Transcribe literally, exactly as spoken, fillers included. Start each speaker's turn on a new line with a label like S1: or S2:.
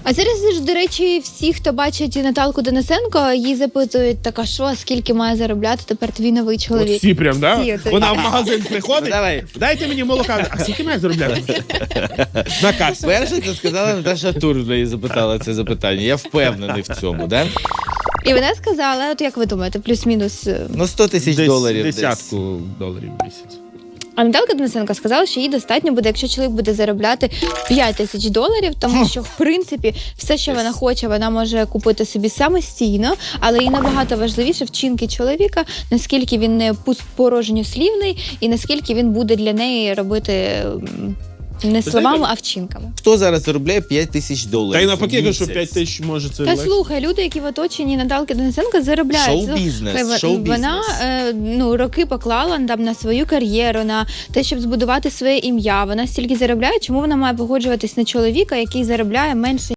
S1: А зараз ж, до речі, всі, хто бачить Наталку Денисенко, їй запитують, так, а що, скільки має заробляти тепер твій новий чоловік?
S2: От всі прям, да?
S1: Всі, от-
S2: Вона в магазин приходить,
S3: Ну, давай.
S2: дайте мені молока. А скільки має заробляти? На касі.
S3: Перше, це сказала Наташа Тур, в неї запитала це запитання. Я впевнений в цьому, да?
S1: І вона сказала, от як ви думаєте, плюс-мінус... е,
S3: Ну, сто тисяч
S2: Десь
S3: доларів. десь.
S2: десятку доларів в місяць.
S1: А Наталка Денисенко сказала, що їй достатньо буде, якщо чоловік буде заробляти п'ять тисяч доларів, тому що, в принципі, все, що вона хоче, вона може купити собі самостійно, але і набагато важливіше вчинки чоловіка, наскільки він не пуст- порожньослівний і наскільки він буде для неї робити м, не словами, а вчинками.
S3: Хто зараз заробляє п'ять тисяч доларів?
S2: Та й навпаки, я кажу, що
S3: в
S2: п'ять
S3: місяць?
S2: тисяч може це
S1: Та
S2: легше.
S1: слухай, люди, які в оточенні Наталки Денисенко, заробляють.
S3: Шоу-бізнес,
S1: Слухай,
S3: шоу-бізнес.
S1: Вона е, ну, роки поклала там на свою кар'єру, на те, щоб збудувати своє ім'я. Вона стільки заробляє, чому вона має погоджуватись на чоловіка, який заробляє менше,